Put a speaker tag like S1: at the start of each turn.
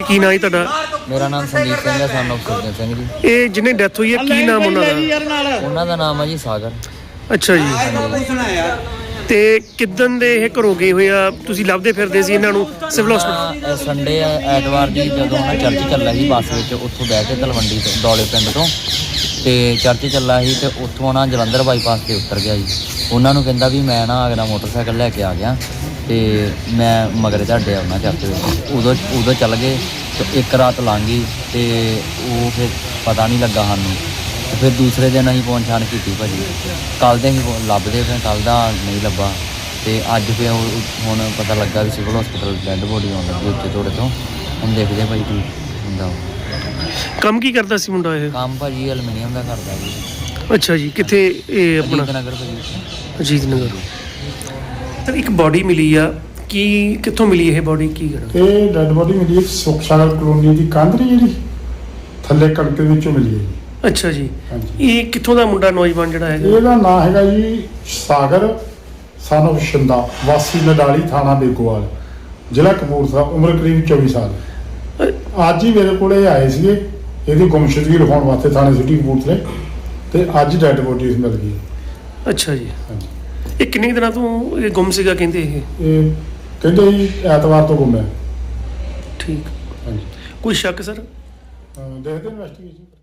S1: ਕੀ ਨਾਂ ਜੀ ਤੁਹਾਡਾ?
S2: ਮੇਰਾ ਨਾਮ ਸੰਦੀਪ ਸਿੰਘ ਹੈ, son of ਸੁਰਜਨ ਸਿੰਘ ਜੀ।
S1: ਇਹ ਜਿਹਨੇ ਡੈਥ ਹੋਈ ਹੈ ਕੀ ਨਾਮ ਉਹਨਾਂ ਦਾ?
S2: ਉਹਨਾਂ ਦਾ ਨਾਮ ਹੈ ਜੀ ਸਾਗਰ।
S1: ਅੱਛਾ ਜੀ। ਤੇ ਕਿੱਦਣ ਦੇ ਇਹ ਘਰੋਂ ਗਏ ਹੋਏ ਆ? ਤੁਸੀਂ ਲੱਭਦੇ ਫਿਰਦੇ ਸੀ ਇਹਨਾਂ ਨੂੰ ਸਿਵਲ ਹਸਪਤਾਲ?
S2: ਸੰਡੇ ਐਤਵਾਰ ਦੀ ਜਦੋਂ ਉਹਨਾਂ ਚਰਚ ਚੱਲਾ ਸੀ ਬੱਸ ਵਿੱਚ, ਉੱਥੋਂ ਬਹਿ ਕੇ ਤਲਵੰਡੀ ਤੋਂ ਦੌਲੇ ਪਿੰਡ ਤੋਂ ਤੇ ਚਰਚ ਚੱਲਾ ਸੀ ਤੇ ਉੱਥੋਂ ਉਹਨਾਂ ਜਲੰਧਰ ਬਾਈਪਾਸ ਤੇ ਉਤਰ ਗਿਆ ਜੀ। ਉਹਨਾਂ ਨੂੰ ਕਹਿੰਦਾ ਵੀ ਮੈਂ ਨਾ ਅਗਲਾ ਮੋਟਰਸਾਈਕਲ ਲੈ ਕੇ ਆ ਗਿਆ ਤੇ ਮੈਂ ਮਗਰ ਤੁਹਾਡੇ ਆਉਣਾ ਚਰਚ ਵਿੱਚ। ਉਦੋਂ ਚੱਲ ਗਏ ਤੇ ਇੱਕ ਰਾਤ ਲੰਘ ਗਈ ਤੇ ਉਹ ਫਿਰ ਪਤਾ ਨਹੀਂ ਲੱਗਾ ਸਾਨੂੰ। ਤੇ ਫਿਰ ਦੂਸਰੇ ਦਿਨ ਅਸੀਂ ਪਹੁੰਚਾਣ ਕੀਤੀ ਭਾਜੀ। ਕੱਲ੍ਹ ਦੇ ਅਸੀਂ ਲੱਭਦੇ ਫਿਰ ਕੱਲ੍ਹ ਦਾ ਨਹੀਂ ਲੱਭਾ ਤੇ ਅੱਜ ਫਿਰ ਹੁਣ ਪਤਾ ਲੱਗਾ ਵੀ ਸਿਵਲ ਹਸਪਤਾਲ ਡੈੱਡ ਬੋਡੀ ਆਉਣ ਲੱਗੀ ਉੱਤੇ ਥੋੜ੍ਹੇ ਤੋਂ। ਹੁਣ ਦੇਖਦੇ ਭਾਈ ਕੀ ਹੁੰਦਾ।
S1: ਕੰਮ ਕੀ ਕਰਦਾ ਸੀ ਮੁੰਡਾ ਇਹ?
S2: ਕੰਮ ਭਾਜੀ ਐਲੂਮੀਨੀਅਮ ਦਾ ਕਰਦਾ ਜੀ।
S1: ਅੱਛਾ ਜੀ। ਕਿੱਥੇ ਇਹ ਆਪਣਾ?
S2: ਅਜੀਤ ਨਗਰ ਭਾਜੀ।
S1: ਅਜੀਤ ਨਗਰ। ਸਰ ਇੱਕ ਬੋਡੀ ਮਿਲੀ ਆ, ਕੀ ਕਿੱਥੋਂ ਮਿਲੀ ਇਹ ਬੋਡੀ? ਕੀ ਕਰਨਾ?
S3: ਇਹ ਡੈਡ ਬੋਡੀ ਮਿਲੀ ਹੈ ਸੁੱਖ ਸਾਗਰ ਕਲੋਨੀ ਦੀ ਕੰਧ ਨਹੀਂ ਜਿਹੜੀ ਥੱਲੇ ਕਣਕ ਦੇ ਵਿੱਚੋਂ ਮਿਲੀ ਹੈ ਜੀ।
S1: ਅੱਛਾ ਜੀ।
S3: ਹਾਂਜੀ।
S1: ਇਹ ਕਿੱਥੋਂ ਦਾ ਮੁੰਡਾ ਨੌਜਵਾਨ ਜਿਹੜਾ ਹੈਗਾ?
S3: ਇਹਦਾ ਨਾਂ ਹੈਗਾ ਜੀ ਸਾਗਰ son of ਸ਼ਿੰਦਾ, ਵਾਸੀ ਨਡਾਲੀ, ਥਾਣਾ ਬੇਗੋਵਾਲ, ਜ਼ਿਲ੍ਹਾ ਕਪੂਰਥਲਾ, ਉਮਰ ਕਰੀਬ 24 ਸਾਲ। ਅੱਜ ਹੀ ਮੇਰੇ ਕੋਲ ਇਹ ਆਏ ਸੀਗੇ ਇਹਦੀ ਗੁੰਮਸ਼ੁਦਗੀ ਲਿਖਾਉਣ ਵਾਸਤੇ ਥਾਣੇ ਸਿਟੀ ਕਪੂਰਥਲੇ, ਤੇ ਅੱਜ ਡੈਡ ਬੋਡੀ ਮਿਲ ਗਈ।
S1: ਅੱਛਾ ਜੀ।
S3: ਹਾਂਜੀ।
S1: ਇਹ ਕਿੰਨੇ ਦਿਨਾਂ ਤੋਂ ਇਹ ਗੁੰਮ ਸੀਗਾ ਕਹਿੰਦੇ?
S3: ਇਹ ਕਹਿੰਦੇ ਜੀ ਐਤਵਾਰ ਤੋਂ ਗੁੰਮ ਹੈ।
S1: ਠੀਕ।
S3: ਹਾਂਜੀ।
S1: ਕੋਈ ਸ਼ੱਕ ਸਰ?
S3: ਦੇਖਦੇ ਇਨਵੈਸਟੀਗੇਸ਼ਨ।